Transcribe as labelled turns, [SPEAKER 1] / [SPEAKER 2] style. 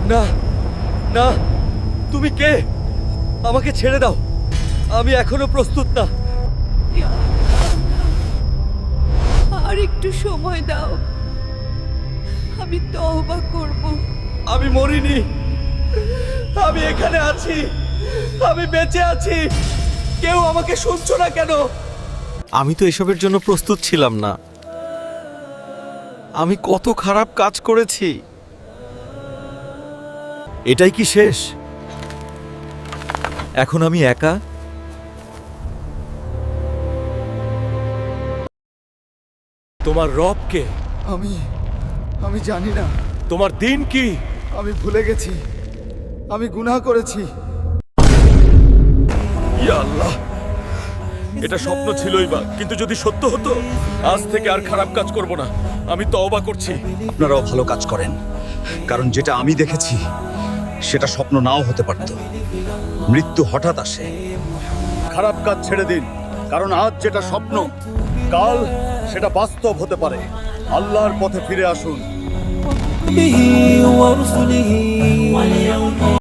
[SPEAKER 1] না না, তুমি কে? আমাকে ছেড়ে দাও, আমি এখনো প্রস্তুত না।
[SPEAKER 2] আর একটু সময় দাও, আমি তওবা করব।
[SPEAKER 1] আমি মরিনি, আমি এখানে আছি, আমি বেঁচে আছি। কেউ আমাকে শুনছো না কেন? আমি তো এসবের জন্য প্রস্তুত ছিলাম না। আমি কত খারাপ কাজ করেছি। এটাই কি শেষ? এখন আমি একা। তোমার রব কে?
[SPEAKER 3] আমি জানি না।
[SPEAKER 1] তোমার দিন কি?
[SPEAKER 3] আমি ভুলে গেছি, আমি গুনাহ করেছি।
[SPEAKER 1] ইয়া আল্লাহ, এটা স্বপ্ন ছিলই বা, কিন্তু যদি সত্য হতো, আজ থেকে আর খারাপ কাজ করব না। আমি তওবা করছি।
[SPEAKER 4] আপনারাও ভালো কাজ করেন, কারণ যেটা আমি দেখেছি সেটা স্বপ্ন নাও হতে পারত। মৃত্যু হঠাৎ আসে। খারাপ কাজ ছেড়ে দিন, কারণ আজ যেটা স্বপ্ন, কাল সেটা বাস্তব হতে পারে। আল্লাহর পথে ফিরে আসুন।